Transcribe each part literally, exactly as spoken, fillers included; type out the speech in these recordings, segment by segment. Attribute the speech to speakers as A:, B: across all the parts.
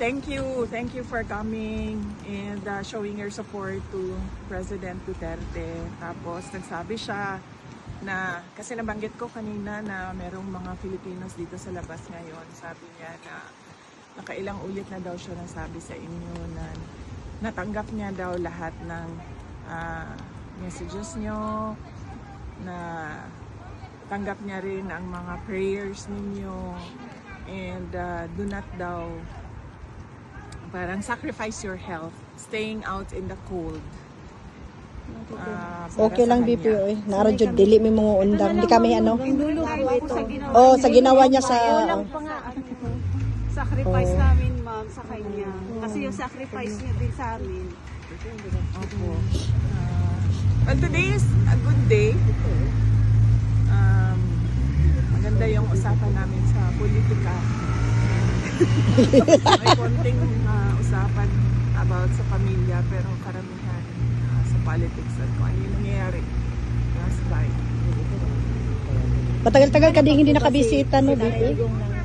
A: thank you. Thank you for coming and uh, showing your support to President Duterte. Tapos nagsabi siya na, kasi nabanggit ko kanina na merong mga Filipinos dito sa labas ngayon. Sabi niya na nakailang ulit na daw siya nasabi sa inyo na natanggap niya daw lahat ng uh, messages nyo, na tanggap niya rin ang mga prayers ninyo, and uh, do not daw parang sacrifice your health staying out in the cold. Uh,
B: Okay lang, B P O eh. Nara jud dili mi mga undang. Di kami ano.
C: Oh,
B: Oh, sa ginawa niya sa
C: Ayaw lang pa nga, ano, sacrifice namin, ma'am, sa kanya. Kasi yung sacrifice niya din sa amin.
A: Opo. Uh, well, today is a good day. Um, maganda yung usapan namin sa politika. May konting uh, usapan about sa pamilya, pero karamihan uh, sa politics at kung ano yung nangyayari last time.
B: matagal-tagal ka din hindi nakabisita no, B P O.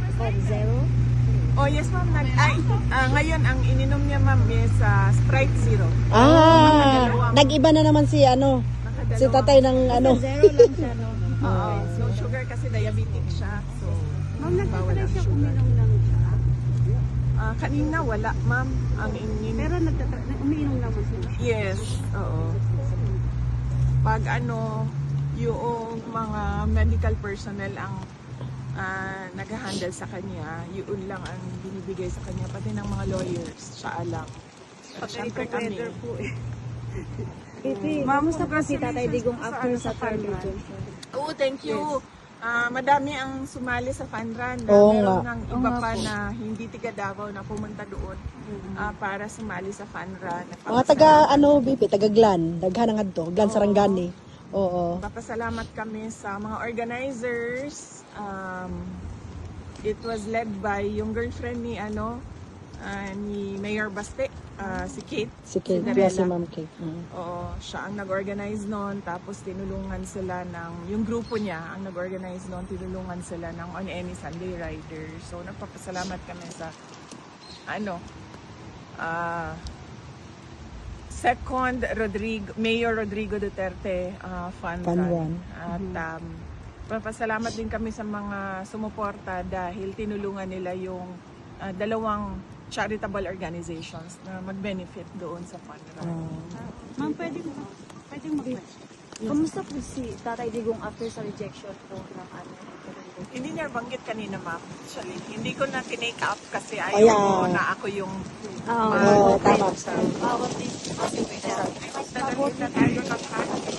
A: Oh yes ma'am, nag ay ah, ngayon ang ininom niya ma'am is uh, Sprite Zero.
B: Ah, nag-iba na naman si ano,
A: Nakadalawa.
B: si tatay ng ano.
C: Zero lang siya, no?
A: Oo, no sugar kasi diabetic siya. So
C: Ma'am,
A: bawal
C: nagtatry
A: ang
C: siya
A: sugar.
C: uminom ng tsaa.
A: Ah, kanina wala ma'am ang inin.
C: Pero nagtatry, umiinom naman siya.
A: Yes, oo. Pag ano, yung mga medical personnel ang ah, nag-handle sa kanya, yun lang ang binibigay sa kanya, pati ng mga lawyers, siya alam. At syempre kami.
C: Weather po eh.
A: Ma'am,
C: Kamusta po si Tatay Digong after sa third region?
A: Oo, thank you. Ah, madami ang sumali sa fun run. Na
B: Oo
A: meron
B: nga.
A: ng iba pa na hindi tiga Davao na pumunta doon ah, para sumali sa fun run.
B: Mga taga ano, B P, taga Glan, daghan nga adto, Glan Sarangani. Oo.
A: Papasalamat kami sa mga organizers. Um, it was led by yung girlfriend ni ano ah, ni Mayor Baste, ah, si Kate.
B: Si Kate,
A: Cinderella.
B: si Ma'am Kate. Mm.
A: Oo, siya ang nag-organize noon, tapos tinulungan sila ng, yung grupo niya ang nag-organize noon, tinulungan sila ng On Any Sunday Rider. So nagpapasalamat kami sa ano ah Second Rodrigo, Mayor Rodrigo Duterte uh, Fund
B: Fund
A: Run.
B: Run.
A: At um, papasalamat din kami sa mga sumuporta dahil tinulungan nila yung uh, dalawang charitable organizations na mag-benefit doon sa fund run.
B: Ah.
C: Ma'am, pwede mo, pwede mo question. Kamusta po si Tatay Digong after sa rejection po ng ano?
A: Hindi niya banggit kanina ma'am. Actually, hindi ko na tinake up kasi
B: Oh,
A: ayaw
B: yeah.
A: ko na ako yung
C: Oo,
B: Oo, tama.
A: sa
C: bawat din.
A: sa na tayo ng